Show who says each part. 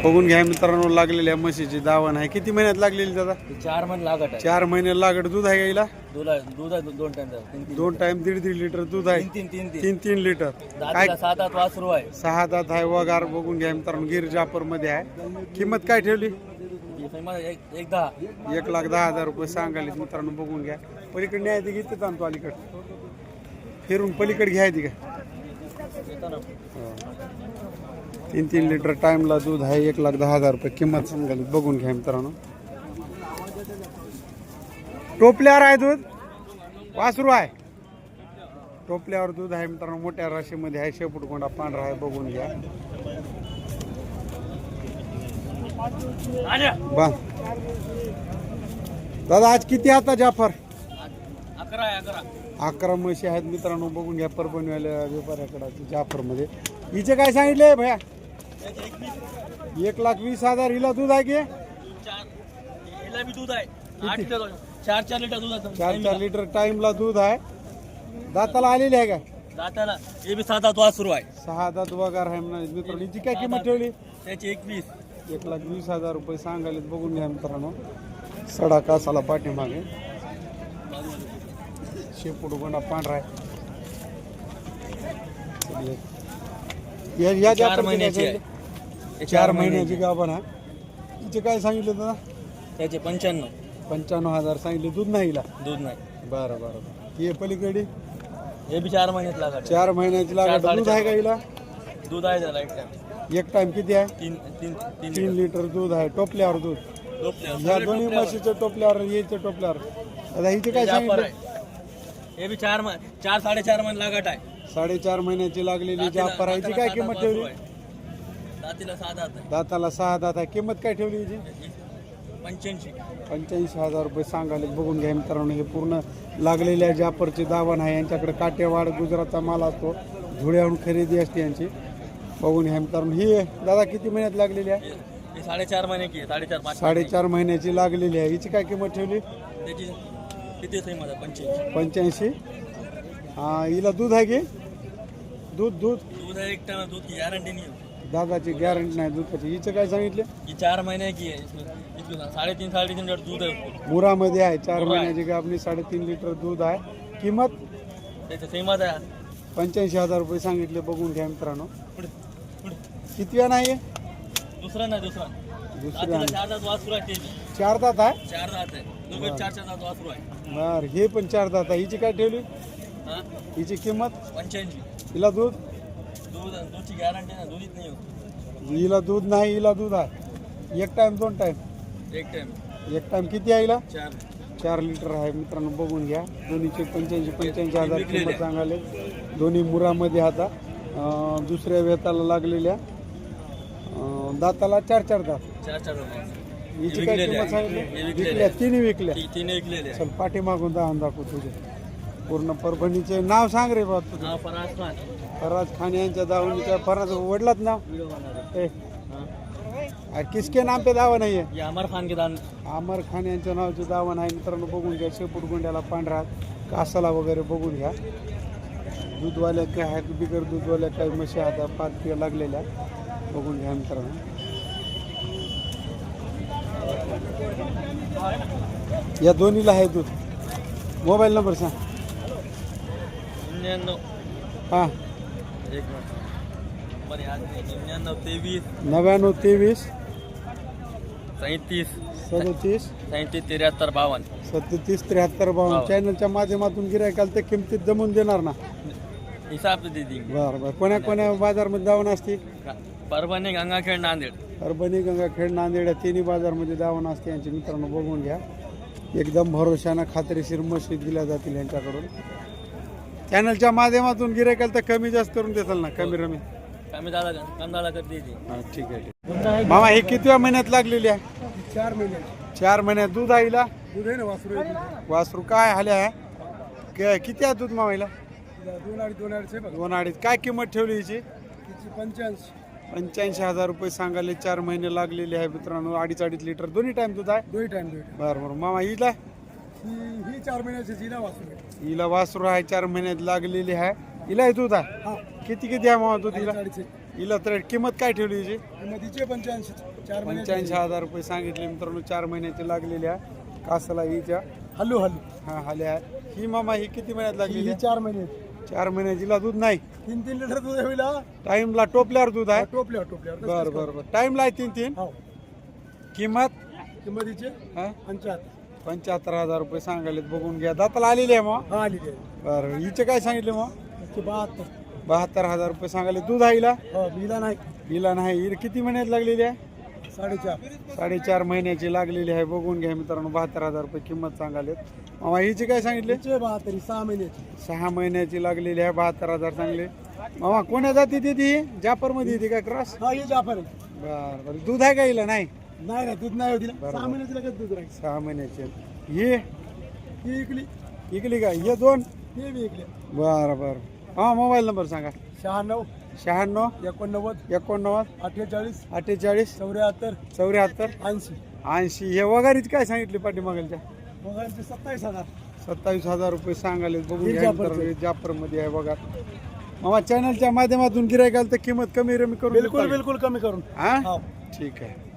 Speaker 1: बघून घ्या मित्रांनो, लागलेल्या म्हशीची दावण आहे. किती महिन्यात लागलेली दादा?
Speaker 2: 4 महिने लागत आहे.
Speaker 1: 4 महिने लागड. दूध आहे गाईला?
Speaker 2: दूध आहे 2 टाइम.
Speaker 1: 2 टाइम 1.5 लिटर दूध आहे. 3 लिटर. काय
Speaker 2: 7-8 वासरू आहे.
Speaker 1: 6 दात आहे. वगार बघून घ्या मित्रांनो, गिर जापर मध्ये आहे. किंमत काय ठेवली? 1,10,000 रुपये सांगायला मित्रांनो. बघून घ्या. पलीकडे न्यायची घेते ताणतो अलीकडे फिरून पलीकडे घ्यायची का? 3 लिटर टाइमला दूध आहे. 1,10,000 रुपये किंमत सांगायला. बघून घ्या मित्रांनो. टोपल्यावर आहे दूध. वासरू आहे. टोपल्यावर दूध आहे मित्रांनो. मोठ्या राशीमध्ये आहे. शेपूट कोंडा पांढरा आहे. बघून घ्या. बा दादा आज किती आता जाफर? 11 म्हशी आहेत मित्रांनो. बघून घ्या. परभणीवाल्या व्यापाऱ्याकडे जाफर मध्ये. हिचे काय सांगितले भैया? 1,20,000. हिला दूध आहे की?
Speaker 2: दूध आहे 4 लिटर दूध आहे.
Speaker 1: 4 लिटर टाइमला दूध आहे. दाताला आलेली आहे का?
Speaker 2: दाताला हे बी 7 वासरू आहे.
Speaker 1: 6 दात वगार आहे मित्रांनो. हिची काय किंमत ठेवली?
Speaker 2: त्याची
Speaker 1: 1,20,000 रुपये सांगायला. बघून घ्या मित्रांनो. सडा कासाला पाठीमागे. शेपूट गोंडा पांढरा आहे. या
Speaker 2: 4 महिन्याची आहे.
Speaker 1: 4 महिन्याची गाभण आहे. हिचे काय सांगितलं दादा?
Speaker 2: त्याचे
Speaker 1: 95,000 सांगितले. दूध नाही हिला?
Speaker 2: दूध नाही.
Speaker 1: बरं. हे पलीकडे
Speaker 2: हे बी 4 महिन्यात लागत.
Speaker 1: 4 महिन्याची लागत. दूध आहे का हिला?
Speaker 2: दूध आहे त्याला
Speaker 1: एक टाइम किती आहे?
Speaker 2: 3
Speaker 1: लिटर दूध आहे. टोपल्यावर दूध. या दोन्ही म्हशीच्या टोपल्यावर याच्या टोपल्यावर. आता हिचे काय सांगितलं?
Speaker 2: हे बी 4-4.5 महिने लागत आहे.
Speaker 1: 4.5 महिन्याची लागलेली जाफर आहे. हिची काय किंमत ठेवली? दाताला 6 दात आहे. किंमत काय ठेवली हिची? 85,000 रुपये सांगायला. बघून घ्या मित्रांनो. हे पूर्ण लागलेल्या जाफरचे दावण आहे. यांच्याकडे काटेवाड गुजरातचा माल असतो. धुळ्याहून खरेदी असते यांची. बघून घ्या मित्रांनो. ही दादा किती महिन्यात लागलेली आहे?
Speaker 2: 4.5 महिने की
Speaker 1: 4.5 महिन्याची लागलेली आहे. हिची काय किंमत ठेवली?
Speaker 2: त्याची किती
Speaker 1: 85. हिला दूध आहे की? दूध
Speaker 2: आहे. एक टाइम दूध की गॅरंटी नाही.
Speaker 1: दादाची गॅरंटी नाही दुधाची. हिचं काय सांगितले?
Speaker 2: 4 महिने की आहे. 3.5 लिटर दूध आहे.
Speaker 1: मुरामध्ये आहे. 4 महिन्याची गाभणी. 3.5 लिटर दूध आहे. किंमत
Speaker 2: त्याची किंमत आहे
Speaker 1: 85,000 रुपये सांगितले. बघून घ्या मित्रांनो. कितव्या नाही?
Speaker 2: दुसरा 4 दात वासरू आहे.
Speaker 1: 4 दात आहे.
Speaker 2: 4 दात आहे. दोघे 4 दात वासरू आहे.
Speaker 1: बर. हे पण 4 दात आहे. हिची काय ठेवली? हिची किंमत
Speaker 2: 85.
Speaker 1: हिला
Speaker 2: दूधची गॅरंटी नाही. दूधच नाही होत.
Speaker 1: हिला दूध नाही. हिला दूध आहे. एक टाइम 2 टाइम? एक टाइम किती आहे हिला? 4 लिटर आहे मित्रांनो. बघून घ्या. दोन्हीचे 85,000 किंमत सांगाले. दोन्ही मुरामध्ये आता दुसऱ्या वेताला लागलेल्या. दाताला 4 दात. हिची काय किंमत सांगितली? विकल्या. तिन्ही विकल्या. चल पाठीमागून दाखवू तुझे पूर्ण परभणीचे नाव सांग रे बाबा तुझं. फराज खान यांच्या दावणीच्या. फराज वडलाच नाव? किसके नाम पे दावा नाही आहे? अमर खान यांच्या नावाचे दावण आहे मित्रांनो. बघून घ्या. शेपूट गोंड्याला पांढरा कासाला वगैरे बघून घ्या. दूधवाल्या काय आहेत, बिगर दूधवाल्या काही म्हशी आता 5 लागलेल्या. बघून घ्या मित्रांनो. या दोन्हीला आहे दूध. मोबाईल नंबर सांग.
Speaker 2: 99
Speaker 1: हां
Speaker 2: 99
Speaker 1: 23
Speaker 2: 37
Speaker 1: 37
Speaker 2: 73 52
Speaker 1: 37 73 52. चॅनलच्या माध्यमातून गिरायकाला त्या किमतीत जमून देणार ना?
Speaker 2: हिसाब दे दी.
Speaker 1: बरं. कोण्या बाजारमध्ये दावण असते?
Speaker 2: परभणी, गंगाखेड, नांदेड.
Speaker 1: परभणी, गंगाखेड, नांदेड या तिन्ही बाजारमध्ये दावण असते यांची मित्रांनो. बघून घ्या. एकदम भरोशानं खात्रीशीर म्हशी दिल्या जातील यांच्याकडून. चॅनलच्या माध्यमातून गिरायकाला तर कमी जास्त करून देताल ना? कमी
Speaker 2: दादा करते.
Speaker 1: ठीक आहे. मामा हे कितव्या महिन्यात लागलेली आहे?
Speaker 3: 4 महिने.
Speaker 1: 4 महिन्यात. दूध आईला?
Speaker 3: दूध आहे ना वासरू.
Speaker 1: वासरू काय आले आहे? किती आहे दूध मामाईला? 2.5 काय किंमत ठेवली हिची? 85,000 रुपये सांगाले. 4 महिने लागलेले आहे मित्रांनो. 2.5 लिटर दोन्ही टाइम दूध आहे?
Speaker 3: दोन्ही टाइम.
Speaker 1: बरं. मामा हिला?
Speaker 3: ही 4 महिन्याची.
Speaker 1: हिला वासरू आहे. 4 महिन्यात लागलेली आहे. हिला दूध आहे? किती आहे मामा दूध हिला? हिला तर किंमत काय ठेवली हिची
Speaker 3: किंमतीचे 85 4 महिन्याची
Speaker 1: 85,000 रुपये सांगितले मित्रांनो. 4 महिन्याची लागलेली आहे कासाला हिच्या.
Speaker 3: हल्लू हल्लू
Speaker 1: हा हाल्या ही मामा ही किती महिन्यात लागलेली
Speaker 3: ही
Speaker 1: आहे?
Speaker 3: 4 महिन्याची
Speaker 1: 4 महिन्याचीला दूध नाही.
Speaker 3: 3 लिटर दूध होईल हा.
Speaker 1: टाइमला टोपल्यावर दूध आहे.
Speaker 3: टोपल्यावर
Speaker 1: बरं बरं बरं टाइमला आहे 3
Speaker 3: हो
Speaker 1: किंमत
Speaker 3: किंमतीचे
Speaker 1: हा
Speaker 3: 75
Speaker 1: 75,000 रुपये सांगायले. बघून घ्या दाताला आलेली आहे मग.
Speaker 3: हा आली आहे
Speaker 1: बरं हिचे काय सांगितले मग
Speaker 3: 72
Speaker 1: 72,000 रुपये सांगायले. दूध आहे हिला
Speaker 3: हो बिला नाही
Speaker 1: हिला नाही. हिला किती महिन्यात लागलेली आहे
Speaker 3: 4.5
Speaker 1: 4.5 महिन्याची लागलेली आहे. बघून घ्या मित्रांनो 72,000 रुपये किंमत सांगाले. मामा हिची काय सांगितले
Speaker 3: तिचे 72 6 महिन्याची
Speaker 1: 6 महिन्याची लागलेली आहे 72,000 सांगले. मामा कोण्या जाती ती जापर मध्ये येते काय क्रॉस?
Speaker 3: हा ही जाफर आहे.
Speaker 1: बरं बरं दूध आहे का हिला नाही
Speaker 3: नाही ना दूध नाही होती
Speaker 1: बरोबर.
Speaker 3: 6 महिन्याची लगेच दूध राहील
Speaker 1: 6 महिन्याची ही
Speaker 3: ही इकली
Speaker 1: इकली का हे दोन?
Speaker 3: ही बी इकली
Speaker 1: बरं बरं हा मोबाईल नंबर सांगा.
Speaker 3: 96
Speaker 1: 96
Speaker 3: 89
Speaker 1: 89
Speaker 3: 48
Speaker 1: 48
Speaker 3: 74
Speaker 1: 74
Speaker 3: 80
Speaker 1: 80 हे वगारीच काय सांगितली पाठीमागलच्या
Speaker 3: मोबाईलचे 27,000
Speaker 1: 27,000 रुपये सांगाले. बघून
Speaker 3: हे
Speaker 1: घ्या
Speaker 3: जाफरचं.
Speaker 1: मित्रांनो, हे जाफरमध्ये आहे बघा. मामा चॅनलच्या माध्यमातून गिरायकाल तर किंमत कमी रमी करून
Speaker 3: बिलकुल
Speaker 1: देता का?
Speaker 3: बिलकुल कमी करून
Speaker 1: हा
Speaker 3: हो
Speaker 1: ठीक आहे.